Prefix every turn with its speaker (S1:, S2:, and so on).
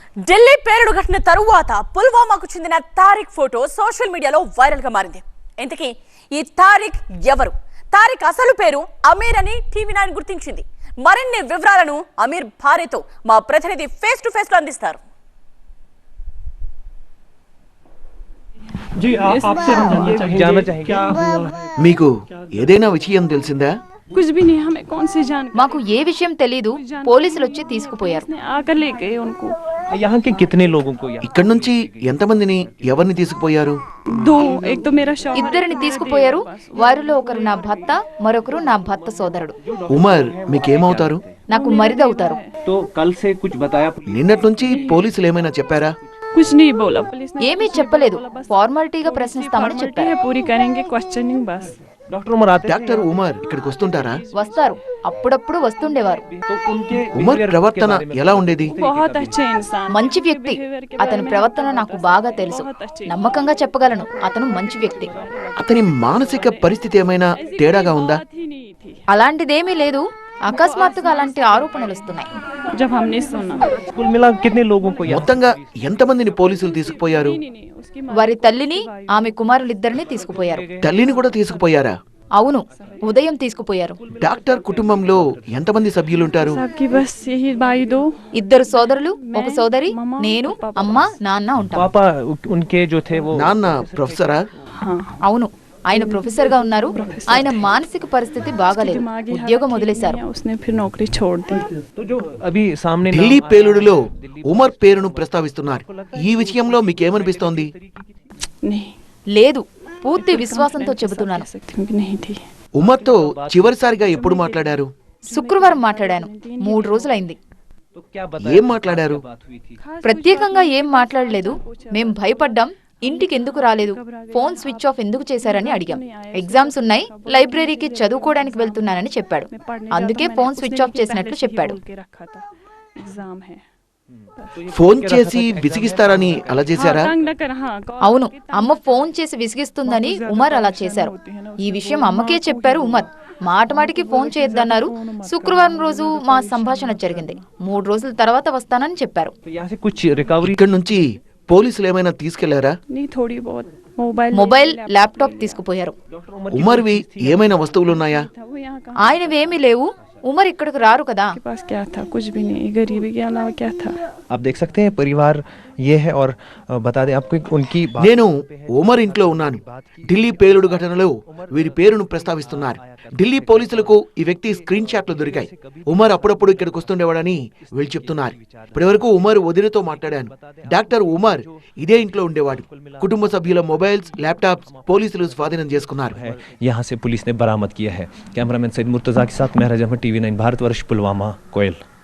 S1: ఢిల్లీ పేలుడు ఘటన తరువాత పుల్వామాకు చెందిన తారిక్ ఫోటో సోషల్ మీడియాలో వైరల్ గా మారింది. ఇంతకీ ఈ తారిక్ ఎవరు? తారిక్ అసలు పేరు అమీర్ అని టీవీ9 గుర్తించింది. మరిన్ని వివరాలను అమీర్ భార్యతో మా ప్రతినిధి ఫేస్ టు ఫేస్ లో అందిస్తారు.
S2: మీకు ఏదైనా విషయం తెలిసిందా?
S3: మాకు ఏ విషయం తెలీదు. పోలీసులు వచ్చి తీసుకుపోయారు.
S2: ఇక్కడ నుంచి ఎంతమందిని ఎవరిని తీసుకుపోయారు?
S3: ఇద్దరిని తీసుకుపోయారు. వారిలో ఒకరు నా భర్త, మరొకరు నా భర్త సోదరుడు.
S2: ఉమర్ మీకేమవుతారు?
S3: నాకు మరిదవుతారు.
S2: నిన్నటి నుంచి పోలీసులు ఏమైనా చెప్పారా?
S3: ఏమీ చెప్పలేదు. ఫార్మాలిటీగా ప్రశ్నిస్తామని చెప్పారు.
S2: డాక్టర్ ఉమర్ ఇక్కడికి వస్తుంటారా?
S3: వస్తారు. అప్పుడప్పుడు వస్తుండేవారు.
S2: ఉమర్ ప్రవర్తన ఎలా ఉండేది?
S3: మంచి వ్యక్తి. అతని ప్రవర్తన నాకు బాగా తెలుసు. నమ్మకంగా చెప్పగలను, అతను మంచి వ్యక్తి.
S2: అతని మానసిక పరిస్థితి ఏమైనా తేడాగా ఉందా?
S3: అలాంటిదేమీ లేదు. అకస్మాత్తుగా అలాంటి ఆరోపణలు వస్తున్నాయి.
S2: మొత్తంగా ఎంతమందిని పోలీసులు తీసుకుపోయారు?
S3: వారి తల్లిని, ఆమె కుమారులిద్దరిని తీసుకుపోయారు.
S2: తల్లిని కూడా తీసుకుపోయారా?
S3: అవును, ఉదయం తీసుకుపోయారు.
S2: డాక్టర్ కుటుంబంలో ఎంతమంది సభ్యులుంటారు?
S3: ఇద్దరు సోదరులు, ఒక సోదరి, నేను, అమ్మ, నాన్న ఉంటాం.
S2: నాన్న ప్రొఫెసరా?
S3: అవును, ఆయన ప్రొఫెసర్ గా ఉన్నారు. ఆయన మానసిక పరిస్థితి బాగాలేదు. ఉద్యోగం వదిలేశారు.
S2: ఢిల్లీ పేలుడులో ఉమర్ పేరును ప్రస్తావిస్తున్నారు. ఈ విషయంలో మీకేమనిపిస్తోంది?
S3: లేదు, పూర్తి విశ్వాసంతో చెబుతున్నాను.
S2: ఉమర్తో చివరిసారిగా ఎప్పుడు మాట్లాడారు?
S3: శుక్రవారం మాట్లాడాను. 3 రోజులైంది.
S2: ఏం మాట్లాడారు?
S3: ప్రత్యేకంగా ఏం మాట్లాడలేదు. మేం భయపడ్డాం. ఇంటికి ఎందుకు రాలేదు, ఫోన్ స్విచ్ ఆఫ్ ఎందుకు చేశారని అడిగాం. ఎగ్జామ్స్ ఉన్నాయి, లైబ్రరీకి చదువుకోవడానికి వెళ్తున్నానని చెప్పాడు. అందుకే ఫోన్ స్విచ్ ఆఫ్ చేసినట్లు చెప్పాడు.
S2: ఫోన్ చేసి విసిగిస్తారని అలా చేశారా?
S3: అవును, అమ్మ ఫోన్ చేసి విసిగిస్తుందని ఉమర్ అలా చేశారు. ఈ విషయం అమ్మకే చెప్పారు ఉమర్. మాటమాటికి ఫోన్ చేయొద్దన్నారు. శుక్రవారం రోజు మా సంభాషణ జరిగింది. 3 రోజుల తర్వాత వస్తానని చెప్పారు.
S2: ఇక్కడ నుంచి పోలీసులు ఏమైనా తీసుకెళ్లారా?
S3: మొబైల్, ల్యాప్టాప్ తీసుకుపోయారు.
S2: ఉమర్వి ఏమైనా వస్తువులున్నాయా?
S3: ఆయనవేమీ లేవు. ఉమర్ ఇక్కడికి రారు కదా.
S4: आप देख सकते हैं परिवार ये है और बता दें आपको उनकी
S2: నేను ఉమర్ ఇంట్లో ఉన్నాను. ఢిల్లీ పేలుడు ఘటనలో వీరి పేరును ప్రస్తావిస్తున్నారు. ఢిల్లీ పోలీసులకు ఈ వ్యక్తి స్క్రీన్ షాట్లు దొరికాయి. ఉమర్ అప్పుడప్పుడు ఇక్కడికి వస్తుండేవాడని వీళ్ళు చెప్తున్నారు. ఇప్పటివరకు ఉమర్ వదినతో మాట్లాడాను. డాక్టర్ ఉమర్ ఇదే ఇంట్లో ఉండేవాడు. కుటుంబ సభ్యుల మొబైల్స్, ల్యాప్టాప్స్ పోలీసులు స్వాధీనం చేసుకున్నారు.
S4: यहाँ से पुलिस ने बरामद किया है। कैमरामैन सईद मुर्तजा के साथ महराज अहमद, टीवी9 भारतवर्ष, पुलवामा, कोयल।